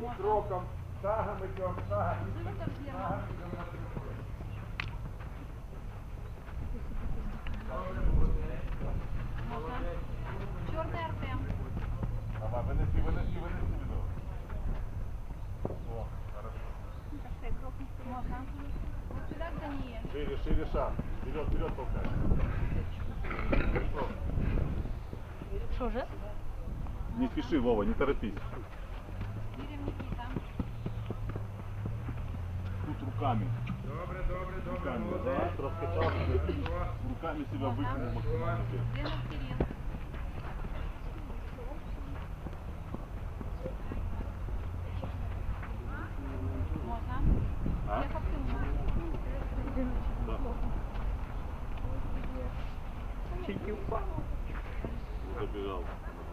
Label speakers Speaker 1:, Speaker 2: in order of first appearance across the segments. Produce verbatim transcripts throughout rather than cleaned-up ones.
Speaker 1: кроком, шагом идем, шагом идем, шагом идем на приход.
Speaker 2: Чорний Артем.
Speaker 1: Давай, вынеси, вынеси, вынеси ведро. О, хорошо.
Speaker 2: Можно. Вот сюда Даниэль.
Speaker 1: Шире, шире шаг. Вперед, вперед толкай. Хорошо.
Speaker 2: Что же?
Speaker 1: Не спеши, Вова, не торопись.
Speaker 2: Кирилл Никита.
Speaker 1: Тут руками.
Speaker 3: Добре, добре, добре,
Speaker 1: Руками,
Speaker 3: молодець.
Speaker 1: да, раскачал. Руками себя вытянул максимально.
Speaker 2: Денис Кирилл. Можно.
Speaker 1: А?
Speaker 2: Чехов Тимур.
Speaker 1: Да. Забежал.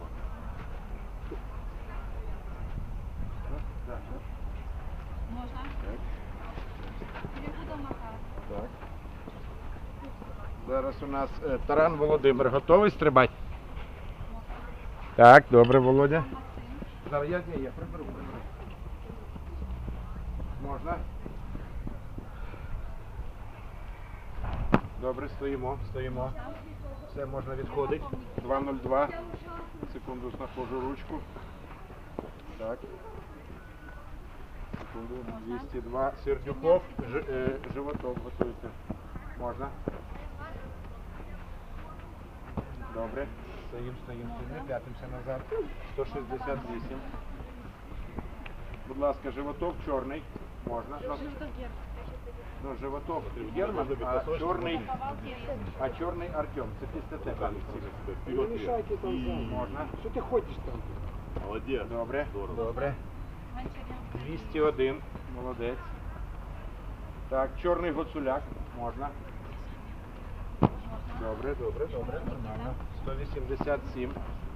Speaker 2: Можно. Перегудов Макар.
Speaker 3: Так. Зараз у нас е, Таран Володимир. Готовий стрибати? Так, добре, Володя.
Speaker 2: Максим.
Speaker 3: Зараз я, ні, я приберу, приберу. Можна? Добре, стоїмо, стоїмо. Все, можна відходити. два нуль два. Секунду, знаходжу ручку. Так. Секунду, двісті два. Сердюков, Ж, е, Животов готується. Можна? Добре. Стоїм, стоїм, стоїм. Не п'ятимося назад. сто шістдесят вісім. Будь ласка, Животов, чорний. Можна? Ну, ну Животов Герман, а чорний, а чорний Артем. Це після тебе.
Speaker 1: Не
Speaker 4: мешайте там зам.
Speaker 3: Можна?
Speaker 4: Что ты ходишь там?
Speaker 1: Молодец.
Speaker 3: Добре.
Speaker 1: Здорово.
Speaker 3: Добре.
Speaker 2: Гончаренко.
Speaker 3: двісті один. Молодець. Так, чорний Гоцуляк. Можна? Добре, добре, добре. Нормально. сто вісімдесят сім.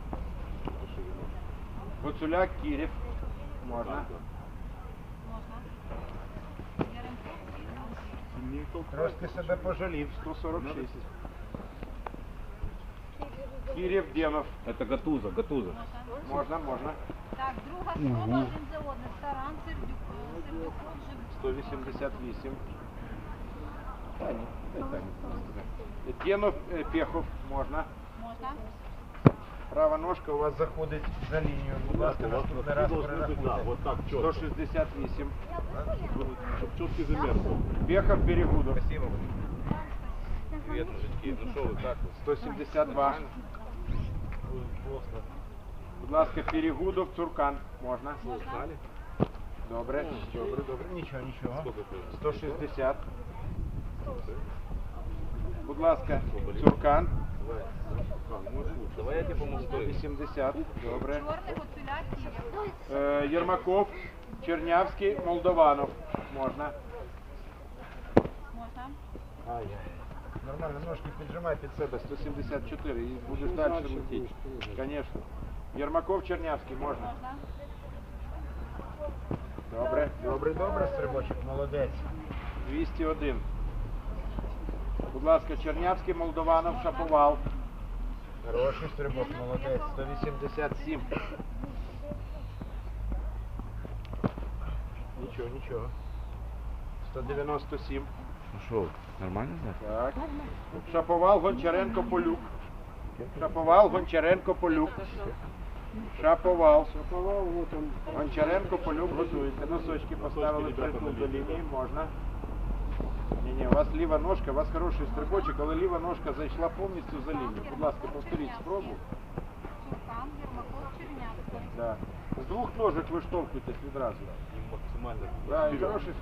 Speaker 3: Гоцуляк Кірів. Можна?
Speaker 2: Можно. Яремко.
Speaker 3: Трошки себе пожалів. сто сорок шість. Кірів Демов.
Speaker 1: Это Гатуза, Гатуза.
Speaker 3: Можна, можна.
Speaker 2: Так, друга спроба, один за одним. Таран, Сердюк, Сердюков, Живчук.
Speaker 3: сто вісімдесят вісім. Таня, дай Таня. Денов, е, Пехов. Можна.
Speaker 2: Можно.
Speaker 3: Права ножка у вас заходить за лінію. Будь ласка, наступний раз
Speaker 1: Да,
Speaker 3: перерахуйте.
Speaker 1: вот так,
Speaker 3: сто
Speaker 1: четко.
Speaker 3: шістдесят вісім.
Speaker 1: Чтобы четкий замер был.
Speaker 3: Пехов, Перегудов.
Speaker 1: Спасибо. Привет, мужики. Ну что вы, как вы?
Speaker 3: сто сімдесят два.
Speaker 1: Просто.
Speaker 3: Будь ласка, Перегудов, Цуркан. Можна?
Speaker 1: Устали?
Speaker 3: Добре, добре, добре. Нічого, нічого.
Speaker 1: Сколько это?
Speaker 3: сто шістдесят. Будь ласка, Цуркан.
Speaker 1: Давай. А, ну, лучше. Давай я тебе помогу.
Speaker 3: сто вісімдесят. Добре.
Speaker 2: Чорний, Гуцуляк, Кирилл.
Speaker 3: Е, Єрмаков, Чернявський, Молдованов. Можна?
Speaker 2: Можно.
Speaker 3: Ай. Нормально, ножки піджимай під себе. сто сімдесят чотири. І будеш далі летіти. Звісно. Єрмаков, Чернявський. Можна?
Speaker 2: Можно.
Speaker 3: Добре. Добре, добре, стрибочок. Молодець. двісті один. Будь ласка, Чернявський, Молдованов, Шаповал. Хороший стрибок, молодець. сто вісімдесят сім. Нічого, нічого. сто дев'яносто сім.
Speaker 1: Ну что, нормально, да?
Speaker 3: Так. Шаповал, Гончаренко, Полюк. Шаповал, Гончаренко, Полюк. Шаповал.
Speaker 4: Шаповал, вот он.
Speaker 3: Гончаренко, Полюк готується. Носочки поставили
Speaker 1: ребята,
Speaker 3: притул
Speaker 1: на
Speaker 3: до
Speaker 1: лінії.
Speaker 3: лінії. Можна. Ні-ні, у вас ліва ножка, у вас хороший стрибочок, але ліва ножка зайшла повністю за лінію. Будь ласка, повторіть спробу.
Speaker 2: Цуркан, Єрмаков, Чернявський.
Speaker 3: Да. З двох ножок виштовхуйтесь відразу.
Speaker 1: И максимально.
Speaker 3: Да, і
Speaker 1: вперед.
Speaker 3: хороший.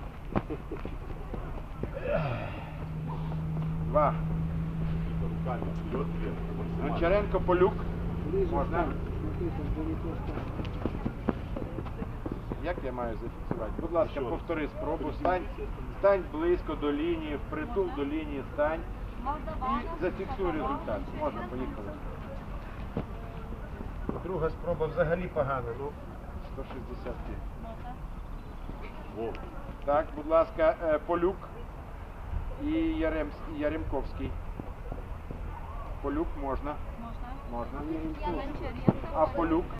Speaker 3: Два.
Speaker 1: Руками вперед, вверх. Максимально.
Speaker 3: Гончаренко, Полюк.
Speaker 4: Ближе
Speaker 3: Можно?
Speaker 4: встань. Смотри, там далеко встань.
Speaker 3: Як я маю зафіксувати? Будь ласка,
Speaker 1: Ще раз.
Speaker 3: повтори спробу. Стань, стань близько до лінії, впритул до лінії, стань
Speaker 2: Молдованов.
Speaker 3: і зафіксуй результат. Можна, поїхали. Друга спроба взагалі погана, ну, сто шістдесят п'ять.
Speaker 2: Можно.
Speaker 1: Во.
Speaker 3: Так, будь ласка, е, Полюк і Ярем, Яремковський. Полюк можна,
Speaker 2: Можно.
Speaker 3: можна.
Speaker 2: Гончаренко.
Speaker 3: А Полюк?